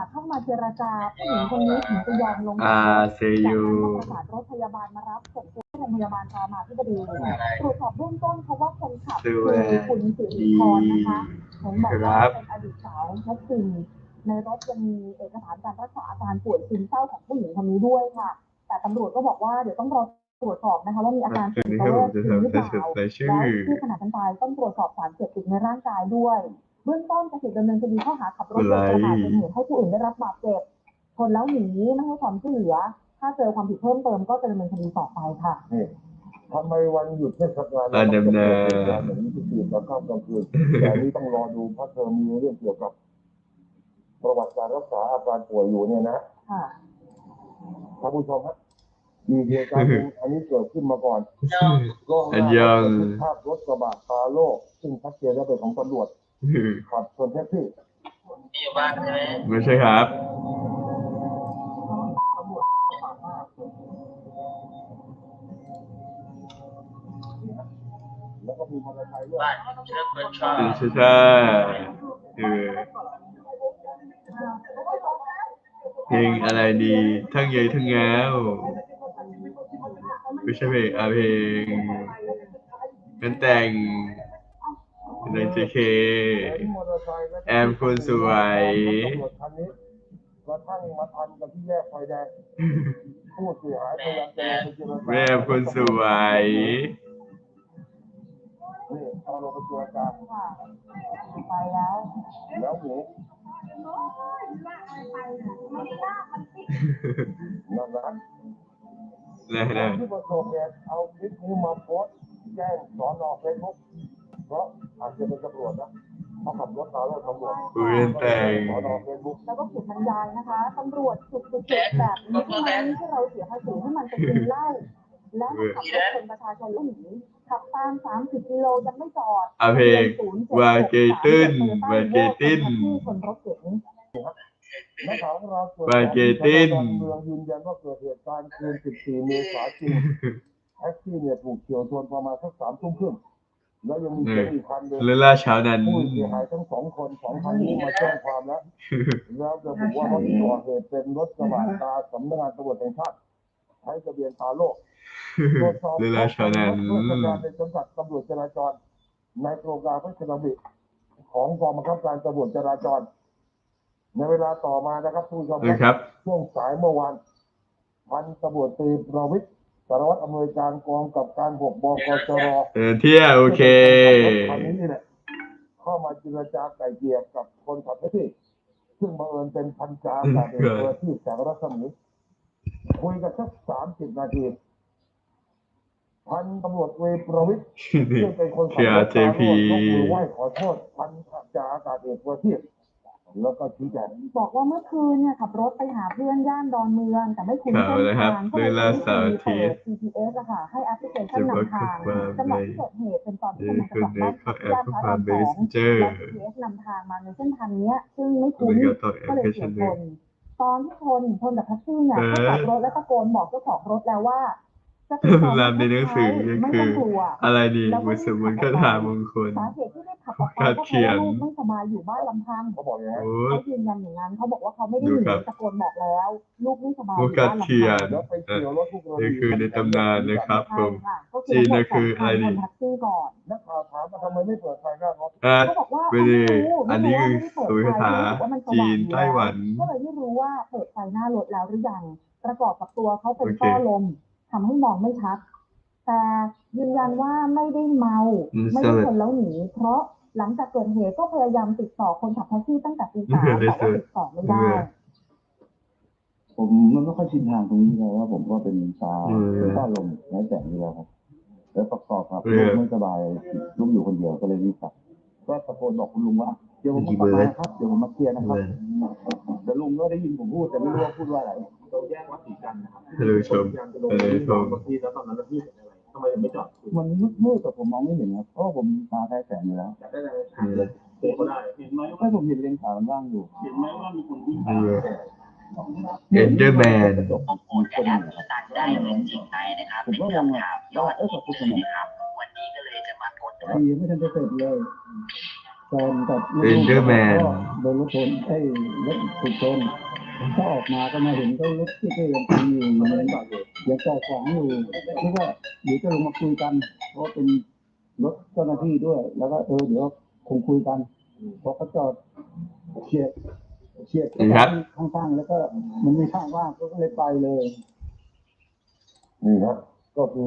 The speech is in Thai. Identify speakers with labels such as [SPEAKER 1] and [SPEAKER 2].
[SPEAKER 1] าสเข้ามาเจรจาผู้หญิงคนนี้ถึงจะยอมลง
[SPEAKER 2] อา
[SPEAKER 1] จากรถ
[SPEAKER 2] เซ
[SPEAKER 1] จาก
[SPEAKER 2] ยู
[SPEAKER 1] นั้นก็ประสานรถพยาบาลมารับส่งตัวที่โรงพยาบาลรามาธิบดีตรวจสอบเบื้องต้นเพราะว่าคนขับคือคุณสิริพรนะคะเห็นบอกว่าเป็นอดีตสาวแท็กซี่ในรถยังมีเอกสารการรักษาอาการป่วยซึมเศร้าของผู้หญิงคนนี้ด้วยค่ะแต่ตำรวจก็บอกว่าเดี๋ยวต้องรอตรวจสอบนะคะว่ามีอาการจิตเวชจริงหรือเปล่าแล้วที่ขณะการตายต้องตรวจสอบสารเสพติดในร่างกายด้วยเบื้องต้นจะถูกดำเนินคดีข้อหาขับรถโดยประมาทเป็นเหตุให้ผู้อื่นได้รับบาดเจ็บชนแล้วหนีไม่ให้ความช่วยเหลือถ้าเจอความผิดเพิ่มเติมก็จะดำเนินคดีต่อไปค่ะ
[SPEAKER 3] ทำไมวันหยุดเทศกาลเราต้องเกิดเหตุการณ์อย่างนี้ทุกคืนกลางค่ำกลางคืนแต่นี้ต้องรอดูเพราะเธอมีเรื่องเกี่ยวกับประวัติการรักษาอาการป่วยอยู่เนี่ยนะท่านผู้ชมครับมีเหตุการณ์อันนี้เกิดขึ้นมาก่อนก็ยังภาพรถกระบะตาโล่ซึ่งชัดเจนแล้วเป็นของตำรวจขับชนแท็กซี่
[SPEAKER 2] อยู่บ้านใช่ไหมไม่ใช่ครับ
[SPEAKER 3] แล้วก็มีมอเตอร์ไซค์ด้วย
[SPEAKER 2] ใช่เพลงอะไรดีทั้งเยยทั้งแง้วไม่ใช่เพลงเพลงกันแต่งใน JK แอมคนสวย
[SPEAKER 3] กระทั่งมาทันกับที่แยกไฟแดงผู้เสียหายพยายามจะลงไปเจรจา
[SPEAKER 2] แม่คนสวย
[SPEAKER 3] นี่เอาลงไปเจรจา
[SPEAKER 1] ไปแล้ว
[SPEAKER 3] หนูนั่นที่ประสบเหตุเอาคลิปนี้มาโพสต์แจ้งสน.เฟซบุ๊กเพราะอาจจะเป็นตำรวจนะเขาขับรถมาแล้วตำรวจ
[SPEAKER 2] แต่ง
[SPEAKER 1] แล้วก็เขียนบรรยายนะคะตำรวจจุดแบบนี้ทำไมที่เราเสียภาษีให้มันไปกินเหล้าแล้วขับรถชนประชาชนแล้วหนีขับตาม30 กิโลยังไม่จอด
[SPEAKER 2] เพลงวาเกติน
[SPEAKER 1] ที่ชนรถเก๋ง
[SPEAKER 3] นักข่าวของเราวาเกตินเมืองยืนยันว่าเกิดเหตุการณ์คืน14 เมษายนจริงแท็กซี่เนี่ยถูกเฉียวชนประมาณสัก3 ทุ่มครึ่งแล้วยังมีเจ้าอีกคันเดิน
[SPEAKER 2] ล่าเช้านั้น
[SPEAKER 3] ผู้เสียหายทั้ง2 คน2 คันนี้มาแจ้งความแล้วระบุว่ารถที่ก่อเหตุเป็นรถกระบะตาสำนักงานตำรวจแห่งชาติใช้ทะเบียนตาโลกตรวจสอบ
[SPEAKER 2] ล่าเช้านั้น
[SPEAKER 3] ราชการในสังกัดตำรวจจราจรในโครงการพระราชดำริของกองบังคับการตำรวจจราจรในเวลาต่อมานะครับผู้ชม
[SPEAKER 2] ครับ
[SPEAKER 3] ช่วงสายเมื่อวานพันตำรวจตรีประวิตรสารวัตรอำนวยการกองกับการ6 บกจร.
[SPEAKER 2] เที่ยวโอเค
[SPEAKER 3] คันนี้นี่แหละเข้ามาเจรจาไกล่เกลี่ยกับคนขับแท็กซี่ซึ่งบังเอิญเป็นพันจ่าจ่าเอกที่แสงรัศมีคุยกันสัก30 นาทีพันตำรวจเวประวิตรซึ่งเป็นคนขับรถตามรถยกมือไหว้ขอโทษพันจ่าอากาศเอกประทีปแล้วก็ชี้แจง
[SPEAKER 1] บอกว่าเมื่อคืนเนี่ยขับรถไปหาเพื่อนย่านดอนเมืองแต่ไม่คุ้นเส้นทางก็เลยใช้วิธีเปิด GPS อะค่ะให้แอปพลิเคชันนำทางจังหวะที่เกิดเหตุเป็นตอนที่กำลังจะกลับบ้านพักย่านพระราม2แล้ว GPS นำทางมาในเส้นทางนี้ซึ่งไม่คุ้นก็เลยเฉียวชนตอนที่ชนกับแท็กซี่เนี่ยก็จอดรถและตะโกนบอกเจ้าของรถแล้วว่า
[SPEAKER 2] ลำในหนังสือก็คืออะไรดีบุษบุญคาถามงคล
[SPEAKER 1] สาเหตุที่ได้ขับออกไปก็เพราะว่าลูกไม่สบายอยู่บ้านลำพังเขาบอกอย่างนั้นเขายืนยันอย่างนั้นเขาบอกว่าเขาไม่ได้หนีตะโกนบอกแล้วลูกไม่สบายอยู่บ้านลำพัง
[SPEAKER 2] นี่คือในตำนานนะครับผมจีนก็คืออะไรดี
[SPEAKER 3] นักข่าวถามว่าทำไมไม่เปิดไฟหน้ารถ
[SPEAKER 1] เขาบอกว่า
[SPEAKER 2] อันนี้คือสุริคาจีนไต้หวัน
[SPEAKER 1] ก็เลยไม่รู้ว่าเปิดไฟหน้ารถแล้วหรือยังประกอบกับตัวเขาเป็นต้อลมทำให้มองไม่ชัดแต่ยืนยันว่าไม่ได้เมาไม่ได้ชนแล้วหนีเพราะหลังจากเกิดเหตุก็พยายามติดต่อคนขับแท็กซี่ตั้งแต่ตี 3แต่ว่าติดต่อไม่ได้
[SPEAKER 3] ผมไม่ค่อยชินทางตรงนี้เลยว่าผมก็เป็นต้าลมแล้วแต่นี้แล้วครับแล้วประกอบครับลูกไม่สบายลูกอยู่คนเดียวก็เลยรีบกลับก็ตะโกนบอกคุณลุงว่าเดี๋ยวผมกลับมาครับเดี๋ยวผมมาเคลียร์นะครับแต่ลุงก็ได้ยินผมพูดแต่ไม่รู้ว่าพูดว่าอะไรเราแยกวัดศรีจันทร์นะครับบางทีแล้วตอนนั้นเราพี่เห็นอะไรทำไมถึงไม่จอดมันมืดแต่ผมมองไม่เห็นครับเพราะผมตาแพ้แสงอยู่แล้วได้เลยเก็ได้เห็นไหมว่าผมเห็นเลนขาวว่างอยู่เห็นไหมว่ามีคนวิ่ง
[SPEAKER 2] เอ็นเดอร์แมน
[SPEAKER 4] โอนแอปสตาร์ทได้เงินจริงไหมนะครับเป็นคำถามยอดฮิตเลยนะครับวันนี้ก็เลยจะมากด
[SPEAKER 3] ไม่ทันจะเสร็จเลยแฟนกับ
[SPEAKER 2] เรนเดอร์แมน
[SPEAKER 3] ก็โดนรถชนรถถูกชนก็ออกมาก็มาเห็นก็รถที่ยังตีอยู่ยังจอดขวางอยู่คิดว่าเดี๋ยวจะลงมาคุยกันเพราะเป็นรถเจ้าหน้าที่ด้วย แล้วก็เดี๋ยวคงคุยกันพอเขาจอดเฉียดข้างๆแล้วก็มันมีข้างว่างก็เลยไปเลยนี่ครับก็คือ